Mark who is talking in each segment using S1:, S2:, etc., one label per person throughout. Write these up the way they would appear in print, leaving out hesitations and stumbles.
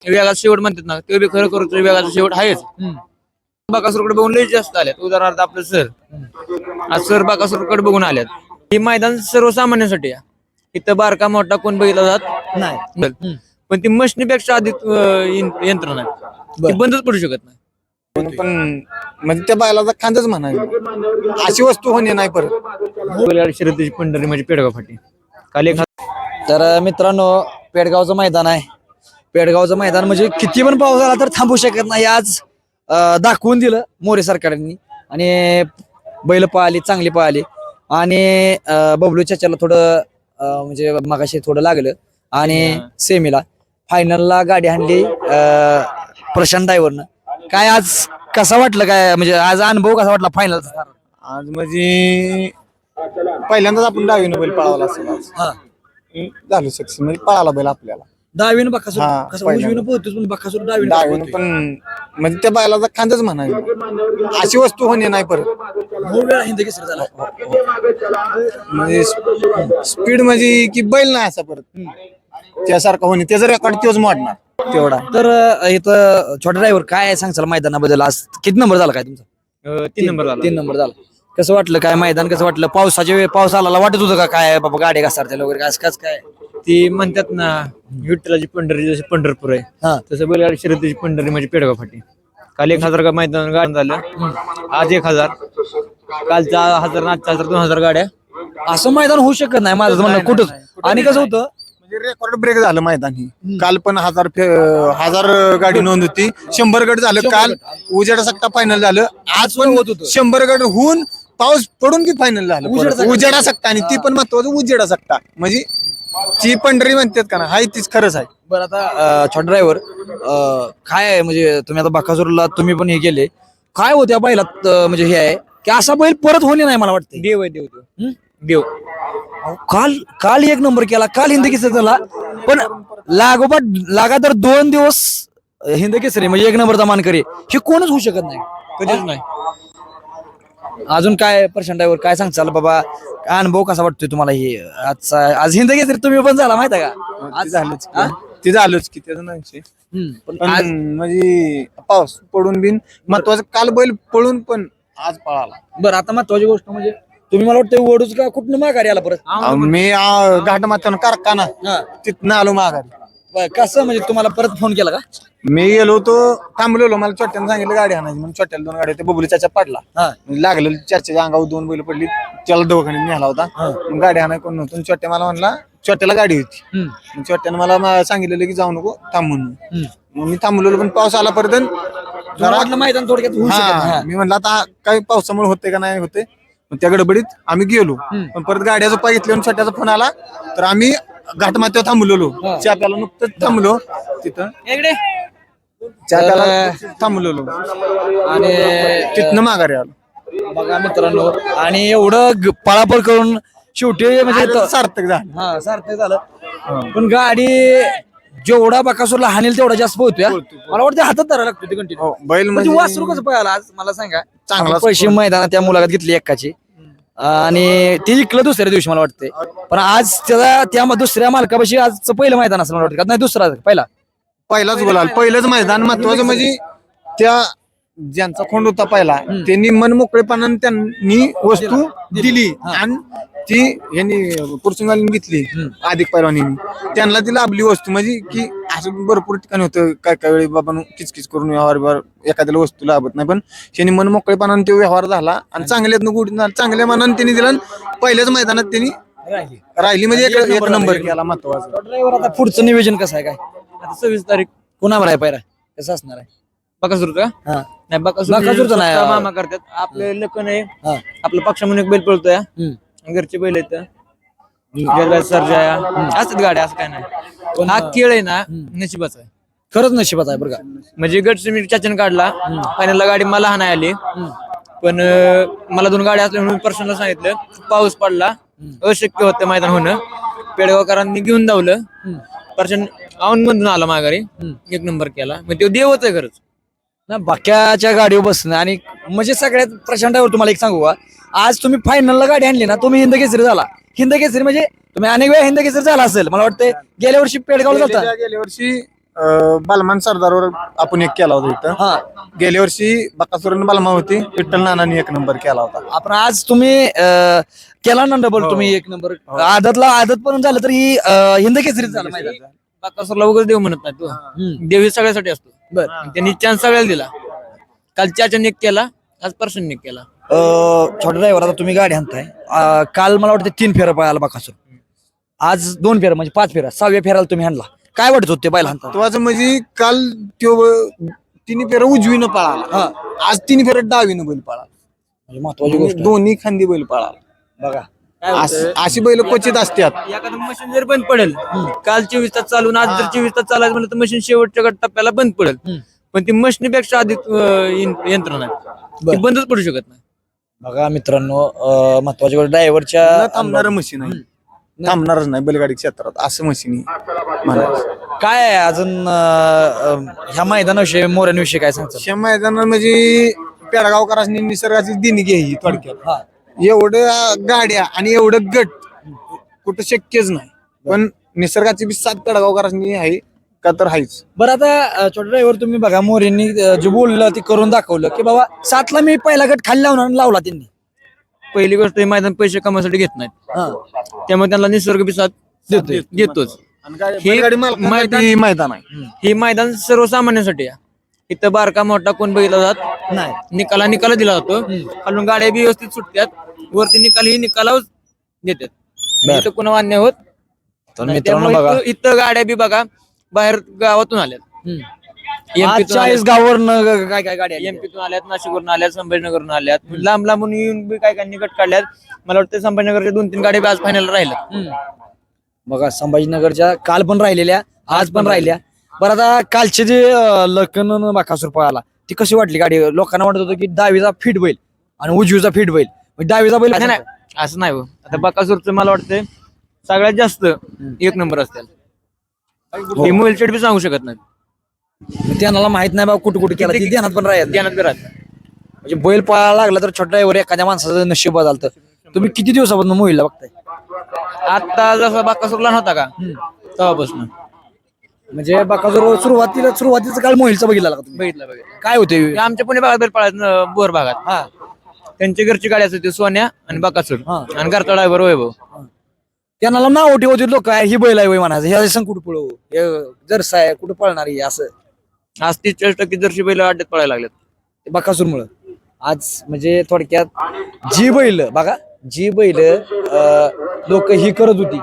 S1: वेगाचा शेवट म्हणतात ना, ते बी खरं करू वेगाचा शेवट आहेच. बाकासूरकडे बघून लई जास्त आल्यात. उदाहरणार्थ आपलं सर, आज सर बाकासूरकडे बघून आल्यात. हे मैदान सर्वसामान्यांसाठी आहे. इथं बारका मोठा कोण बघितला जात नाही. पण ती मशनीपेक्षा अधिक यंत्रणा आहे, ती बंदच पडू शकत नाही.
S2: पण म्हणजे त्या बैलाचा खांदच म्हणायचं, अशी वस्तू होणे नाही परत.
S1: शर्यतीची पंढरी म्हणजे पेडगाव फाटी. काल एक
S3: तर मित्रांनो, पेडगावचं मैदान आहे. पेडगावचं मैदान म्हणजे किती पण पाऊस आला तर थांबू शकत नाही. आज दाखवून दिलं मोरे सरकारने आणि बैल पळाली, चांगली पळाली. आणि बबलू चाच्याला थोडं म्हणजे मगाशी थोडं लागलं आणि सेमीला फायनलला गाडी आणली प्रशांत ड्रायव्हरनं. काय आज कसा वाटलं, काय म्हणजे आज अनुभव कसा वाटला फायनलचा?
S2: आज म्हणजे पहिल्यांदाच आपण डावीनं बैल पळावला असेल आज. झालं सक्सेस म्हणजे पळाला बैल आपल्याला
S3: डावीनं बकासूर
S2: हा,
S3: कसं
S2: पहिल्यांदा.
S3: उजवीनं पोहतोच पण बकासूर डावीनं
S2: डावीनं
S3: पोहतोय.
S2: पण म्हणजे त्या बैलाचा खांदच म्हणायचं, अशी वस्तू होणे नाही परत.
S3: खूप वेळा हिंद केसरी झाला.
S2: म्हणजे स्पीड म्हणजे की बैल नाही असा परत त्यासारखा होणे, त्याचा रेकॉर्ड तोच मोडणार तेवढा.
S3: तर इथं छोटा ड्रायव्हर काय सांगचाल मैदानाबद्दल? आज किती नंबर झाला काय तुमचा?
S1: 3 नंबर झाला.
S3: 3 नंबर झाला. कसं वाटलं काय मैदान, कसं वाटलं? पाऊस आला वाटत होतं का काय बाबा गाडी घसरतील वगैरे काय काय?
S1: ती म्हणतात ना, विठ्ठलाची पंढरी जशी पंढरपूर आहे,
S3: हा.
S1: तसं बैलगाडी शर्यतीची पंढरी म्हणजे पेडगाव फाटी. काल 1000 का मैदान गाडी झालं, आज 1000, कालचा 1000, आजचा 1000, 2000 गाड्या.
S3: असं मैदान होऊ शकत नाही माझं म्हणणं कुठंच. आणि कसं होतं,
S2: म्हणजे रेकॉर्ड ब्रेक झालं मैदान ही. काल पण 1000 गाडी नोंद होती, 100 गट झालं काल. उजेडा सक्ता फायनल झालं. आज पण
S3: होत होतं.
S2: 100 गट होऊन पाऊस पडून की फायनल झालं. उजेडा सक्ता, आणि ती पण महत्वाचं उजेडा सक्ता म्हणजे ती पंढरी म्हणतात का ना, हाय तीच खरंच आहे.
S3: बरं आता छोटा ड्रायव्हर काय आहे म्हणजे तुम्ही आता बकासूरला तुम्ही पण हे केले, काय होत्या बैलात म्हणजे हे आहे की असा बैल परत होणे नाही मला वाटतं.
S1: देव आहे, देव देव देव.
S3: काल काल 1 नंबर केला, काल हिंद केसरी झाला. पण लगातार 2 दिवस हिंद केसरी म्हणजे 1 नंबरचा मानकरी हे कोणच होऊ शकत नाही,
S1: कधीच नाही.
S3: अजून काय प्रशांत ड्रायव्हर काय सांगचाल बाबा? अनुभव कसा वाटतोय तुम्हाला हे आजचा? आज हिंद केसरी तुम्ही पण झाला माहिती आहे का?
S2: आज झालंच ते झालंच की त्याचं नाही.
S3: पण
S2: पण
S3: आज
S2: म्हणजे पाऊस पडून बिन महत्वाचं, काल बैल पळून पण आज पळाला.
S3: बरं आता महत्वाची गोष्ट म्हणजे तुम्ही मला वाटतं वडूच का कुठनं माघारी आला परत?
S2: मी घाट माथ्यानं कारखाना तिथनं आलो माघारी.
S3: बरं, कसं म्हणजे तुम्हाला परत फोन केला का?
S2: मी गेलो होतो, थांबलेलो, मला छोट्यानं सांगितलं गाडी आणायची म्हणून. छोट्याला 2 गाड्या होत्या, बबुली चाचा पडला. म्हणजे लागलं चाच्याच्या अंगावर 2 बैल पडली, त्याला दवाखान्यात नेला होता. मग गाडी आणाय कोण नव्हतं. छोट्या मला म्हणला, छोट्याला गाडी होती. मग छोट्यानं मला सांगितलेलं की जाऊ नको, थांब म्हणून. मग मी थांबलेलो, पण पाऊस आला परत.
S3: मला वाटलं मैदान थोडक्यात होऊ शकत नाही.
S2: मी म्हणलं आता काही पावसामुळे होते का नाही होते. मग त्या गडबडीत आम्ही गेलो, पण परत गाड्याचा पाय घेतले आणि छोट्याचा फोन आला, तर आम्ही घाटमाथ्यावर थांबलेलो. चहा प्याला नुकतंच थांबलो तिथं, चहा प्याला थांबलेलो
S3: आणि
S2: तिथनं माघारी आलो.
S3: बघा मित्रांनो, आणि एवढं पळापळ करून शेवटी म्हणजे
S2: सार्थक झालं.
S3: हा सार्थक झालं. पण गाडी जेवढा बकासूरला हानेल तेवढा जास्त पोहतोय. मला वाटतं हातात धरायला लागतो ते कंटिन्यू.
S2: बैल
S3: म्हणजे
S2: म्हणजे
S3: वासरू कसं पळाला आज मला सांगा?
S2: चांगला
S3: पैसे मैदानात त्या मुलाखत घेतली एकाची आणि ते जिंकलं दुसऱ्या दिवशी मला वाटतंय. पण आज त्याला त्या दुसऱ्या मालकापाशी आजचं पहिलं मैदान असं मला वाटतं, नाही दुसरा
S2: पहिलाच बोलाल. पहिलंच मैदान महत्वाचं म्हणजे त्या ज्यांचा खोंड होता पहिला, त्यांनी मन मोकळेपणाने त्यांनी वस्तू दिली आणि ती यांनी पुरसुंगाला घेतली. अधिक पैलवानींनी त्यांना ती लाभली वस्तू. म्हणजे की असं भरपूर ठिकाणी होतं, काय काय वेळी बाबा किचकिच करून व्यवहार एखाद्याला वस्तू लाभत नाही, पण त्यांनी मन मोकळेपणाने तो व्यवहार झाला आणि चांगल्यातनं गुढ चांगल्या मनाने त्यांनी दिला. पहिल्याच मैदानात त्यांनी राहिली म्हणजे एक नंबर केला. महत्वाचा
S3: ड्रायव्हर आता पुढचं नियोजन कसं आहे काय?
S1: आता 26 तारीख
S3: कोणावर आहे पायरा, कसं असणार आहे?
S1: बकासूरचा
S3: हा.
S1: नाही,
S3: बकासूरचा नाही.
S1: स्वतः मामा करतात. आपले लखन आहे,
S3: हा.
S1: आपला पक्ष म्हणून एक बैल पळतोय, घरचे बैल आहेत, सर्जा असतात गाड्या, असं काय नाही. हा खेळ आहे ना, नशिबाचा आहे.
S3: खरंच नशिबात आहे बरं का.
S1: म्हणजे गट मी चाचन काढला, फायनलला गाडी मला हा नाही आली, पण मला 2 गाड्या असल्या म्हणून पर्सनला सांगितलं. पाऊस पडला, अशक्य होतं मैदान होणं. पेडगावकरांनी घेऊन धावलं, पर्सन औन मधून आला माघारी, 1 नंबर केला. मग तो देवच आहे खरंच
S3: ना. बाक्याच्या गाडीवर बसणं आणि म्हणजे सगळ्यात प्रशांत ड्रायव्हर तुम्हाला एक सांगू का, आज तुम्ही फायनलला गाडी आणली ना, तुम्ही हिंद केसरी झाला. हिंद केसरी म्हणजे तुम्ही अनेक वेळा हिंद केसरी झाला असेल मला वाटतं. गेल्या वर्षी पेडगावला जाता,
S2: गेल्या वर्षी बालमान सरदारवर आपण एक केला होता इथं.
S3: हा
S2: गेल्या वर्षी बकासूरन बालमा होती, विठ्ठल नानांनी 1 नंबर केला होता.
S3: आपण आज तुम्ही केला ना डबल तुम्ही 1 नंबर आदत पण झालं तर ही हिंद केसरीत झालं मैदान.
S1: बाकासूरला उगाच देव म्हणत नाही तो देव हे सगळ्यासाठी असतो.
S3: बर
S1: त्यांनी चान्स सगळ्याला दिला. काल चाचाने एक केला, आज पर्सनने एक केला.
S3: छोटा ड्रायव्हर आता तुम्ही गाडी आणताय काल मला वाटतं 3 फेरा पळाला बकासूर, आज 2 फेरा म्हणजे 5 फेरा, 6व्या फेराला तुम्ही आणला. काय वाटत होते बैल हाणता?
S2: तो म्हणजे काल तो 3 फेऱ्या उजवीनं पळाला, आज 3 फेऱ्या डावीनं बैल पळाला.
S3: म्हणजे महत्वाची गोष्ट आहे.
S2: दोन्ही खांदी बैल पळाला.
S3: बघा
S2: अशी बैल क्वचित असतात.
S1: एखादं मशीन जर बंद पडेल, काल 24 तास चालून आज जर 24 तास चालायचं म्हणलं तर मशीन शेवटच्या टप्प्याला बंद पडेल. पण ती मशीनीपेक्षा अधिक यंत्रणा आहे, ती बंदच पडू शकत नाही.
S3: बघा मित्रांनो, महत्वाची गोष्ट ड्रायव्हरच्या
S2: न थांबणारं मशीन आहे, थांबणारच नाही बैलगाडी क्षेत्रात असं मशीन म्हणायचं.
S3: काय आहे अजून ह्या मैदानाविषयी मोऱ्यांविषयी काय सांगतो?
S2: अशा मैदानात म्हणजे पेडगावकरांनी निसर्गाची देणगी आहे ही थोडक्यात.
S3: हा
S2: एवढ्या गाड्या आणि एवढं गट कुठं शक्यच नाही, पण निसर्गाची बी साथ पेडगावकरांनी आहे का तर आहेच.
S3: बरं आता छोटा ड्रायव्हर तुम्ही बघा मोरेंनी जे बोललं ते करून दाखवलं की बाबा 7ला मी पहिला गट खाली लावला त्यांनी.
S1: पहिली गोष्ट हे मैदान पैसे कमासाठी घेत नाहीत, त्यामुळे त्यांना निसर्ग बी साथ देतोच.
S2: मैदान आहे
S1: हे मैदान सर्वसामान्यांसाठी आहे. इथं बारका मोठा कोण बघितला जात
S3: नाही.
S1: निकाला दिला जातो. खालून गाड्या बी व्यवस्थित सुटतात, वरती निकालाच देतात. इथं कोणा मान्य होत
S3: तर
S1: नाही.
S3: मित्रांनो
S1: त्यामुळे
S3: बघा
S1: इथं गाड्या बी बघा बाहेर गावातून आल्यात,
S3: आज 40 गावावरनं काय काय गाड्या आल्या.
S1: एमपीतून आल्यात, नाशिकवरून आल्यात, संभाजीनगरवरून आल्यात, लांब लांबून येऊन बी काय काय निकट काढल्यात. मला वाटतं संभाजीनगरच्या 2-3 गाड्या बी आज फायनल राहिल्यात.
S3: बघा संभाजीनगरच्या काल पण राहिलेल्या, आज पण राहिल्या. बरं आता कालचे जे लखन बाकासूर पळाला ती कशी वाटली गाडी? लोकांना वाटत होतं की डावीचा फिट बैल आणि उजवीचा फिट बैल, डावीचा बैल
S1: नाही असं नाही हो. आता बकासूरचं मला वाटतंय सगळ्यात जास्त 1 नंबर असतील. हे मोबाईल बी सांगू शकत नाही,
S3: त्यांना माहित नाही बाबा कुठं कुठे केला ती ध्यानात पण राहत.
S1: ध्यानात बी राहत.
S3: म्हणजे बैल पळायला लागला तर छोटा ड्रायव्हर एखाद्या माणसाचं नशीब बदलतं. तुम्ही किती दिवसापासून मोहिलला बघताय?
S1: आता जसा बकासूर लहान होता का तेव्हापासून
S3: म्हणजे बकासूर सुरुवातीचा काळ मोहिलचा बघितला का तुम्ही?
S1: बघितलं
S3: काय होते?
S1: आमच्या पुणे भागात बैल पळायत, बोर भागात.
S3: हा
S1: त्यांची घरची गाडी असते सोन्या आणि बकासूर आणि घरचा ड्रायव्हर वैभव.
S3: त्यांना नाव ठेवते लोक ही बैल आहे म्हणायचं, ह्या संग कुठं पळू, जरसा आहे कुठं पळणार आहे असं.
S1: आज 30-40% जर्सी बैल अड्ड्यात पळायला लागलेत
S3: बकासूर मुळे. आज म्हणजे थोडक्यात जी बैल लोक ही करत होती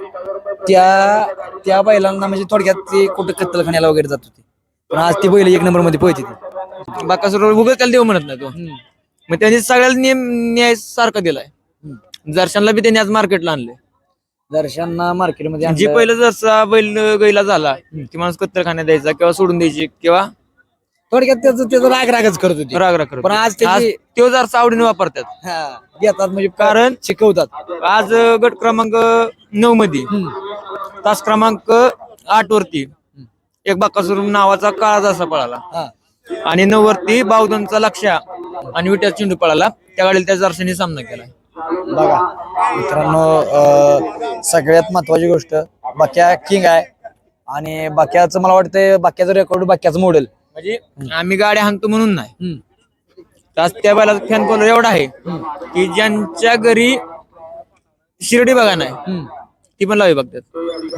S3: त्या बैलांना म्हणजे थोडक्यात ते कुठं कत्तलखान्याला वगैरे जात होती, पण आज ती बैल 1 नंबर मध्ये पळते ती.
S1: बकासूर उगाच त्याला देव म्हणत नाही तो. मग त्यांनी सगळ्याला न्याय सारखा दिलाय. दर्शनला बी त्यांनी आज मार्केटला आणले.
S3: दर्शनना मार्केटमध्ये
S1: जी पहिलं जसा बैल गैला झाला की माणूस कत्तलखान्यात द्यायचा किंवा सोडून द्यायची किंवा
S3: थोडक्यात त्याचं रागच करत होती.
S1: राग करत.
S3: पण आज त्याची
S1: तो जर आवडीने वापरतात,
S3: घेतात म्हणजे
S1: कारण
S3: शिकवतात.
S1: आज गट क्रमांक 9 मध्ये तास क्रमांक 8 वरती एक बकासूर नावाचा काळा जसा पळाला आणि 9 वरती बावधनचा लक्ष्या आणि विट्याचा चेंडू पळाला. त्या गाडीला त्या जर्सीने सामना केला.
S3: बघा मित्रांनो, सगळ्यात महत्वाची गोष्ट बाक्या किंग आहे आणि बाक्याचं मला वाटतं बाक्याचं रेकॉर्ड बाक्याचं मॉडेल
S1: म्हणजे आम्ही गाड्या हाणतो म्हणून नाही, आज त्या बैलाचा फॅन फॉलोअर एवढा आहे की ज्यांच्या घरी शिर्डी बघा नाही ती पण लावी बघतात.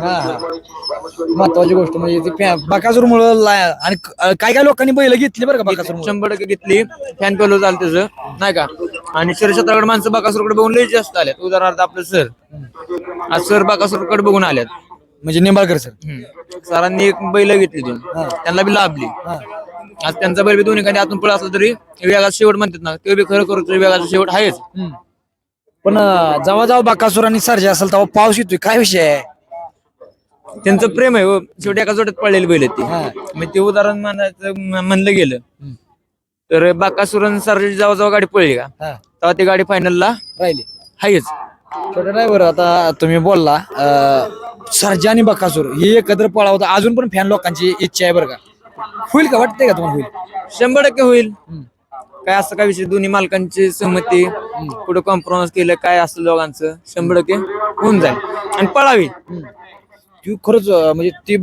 S3: महत्वाची गोष्ट म्हणजे ती बकासूर मुळे आणि काय काय लोकांनी बैल घेतली बरं का बकासूर
S1: 100% घेतली. फॅन फॉलो झालं त्याचं नाही का. आणि शरीर माणसं बकासूरकडे बघून लई जास्त आल्यात. उदाहरणार्थ आपलं सर, आज सर बकासूरकडे बघून आल्यात.
S3: म्हणजे निंबाळकर सर
S1: सरांनी एक बैल घेतली दोन, त्यांना बी लाभली. आज त्यांचा बैल बी दोन्ही खाली आतून पळा असला तरी वेगाचा शेवट म्हणतात ना, ते बी खरं करतो वेगाचा शेवट आहेच.
S3: पण जेव्हा बकासूर आणि सर्जा असेल तेव्हा पाऊस येतोय, काय विषय आहे?
S1: त्यांचं प्रेम आहे. शेवटी एका जोड्यात पडलेली बैल ती. मग ते उदाहरण म्हणलं गेलं तर बकासूर आणि सर्जा जेव्हा गाडी पळली का तेव्हा ती गाडी फायनलला
S3: राहिली
S1: आहेच.
S3: छोटा ड्रायव्हर, आता तुम्ही बोलला सर्जा आणि बकासूर हे एकत्र पळावं, अजून पण फॅन लोकांची इच्छा आहे बरं का. होईल का, वाटतंय का तुम्हाला होईल?
S1: 100% होईल. काय असं काय विषय, दोन्ही मालकांची सहमती, कुठं कॉम्प्रोमाइज केलं काय असं दोघांचं 100% होऊन जाईल आणि पळावी.
S3: ती खरंच म्हणजे ती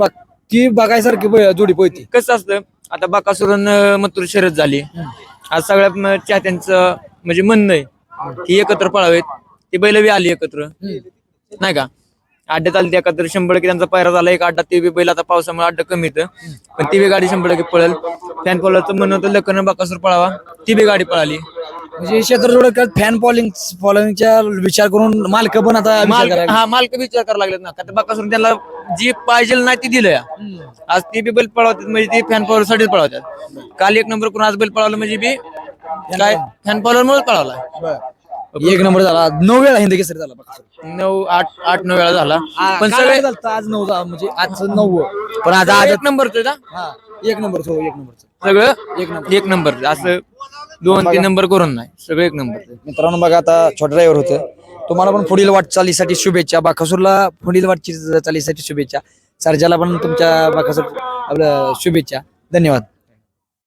S3: ती बघायसारखी जोडी पळती.
S1: कसं असतं आता बाकासुरन मथुर शर्यत झाली, आज सगळ्या चाहत्यांचं म्हणजे म्हणणं आहे की एकत्र पळावेत, ती बैल बी आली एकत्र नाही का, अड्ड्यात आली ती एकत्र 100% त्यांचा पायरा झाला. एक अड्डा ते बी बैल आता पावसामुळे अड्डा कमी येतं, पण ती बी गाडी 100% पळेल. फॅन फॉलोअरचं म्हणणं होतं लखन बाकासूर पळावा, ती बी गाडी पळाली.
S3: म्हणजे क्षेत्र जोड फॅन फॉलोइंगच्या विचार करून मालक पण आता विचार करायला.
S1: मालक विचार करायला लागलेत ना, का बाकासूर त्यांना जी पाहिजे नाही ती दिलं या. आज ती बी बैल पळवतात म्हणजे ती फॅन फॉलोअर साठीच पळवतात. काल 1 नंबर करून आज बैल पळवलं म्हणजे बी काय फॅन फॉलोअर मुळे पळवला.
S3: 1 नंबर झाला, 9 वेळा हिंद केसरी झाला बाकासूर.
S1: 8-9 वेळा झाला, पण
S3: काल
S1: सगळे
S3: झालता, आज 9 म्हणजे आज 9. पण आज
S1: 1 नंबरचं ना,
S3: 1 नंबर 1 नंबर
S1: सगळं 1 नंबर, असं 2-3 नंबर करून नाही, सगळं 1 नंबर.
S3: मित्रांनो बघा आता छोटा ड्रायव्हर होतं. तुम्हाला पण पुढील वाटचालीसाठी शुभेच्छा. बाकासूरला पुढील वाटचालीसाठी शुभेच्छा. सर्जाला पण तुमच्या बाकासूर आपलं शुभेच्छा. धन्यवाद.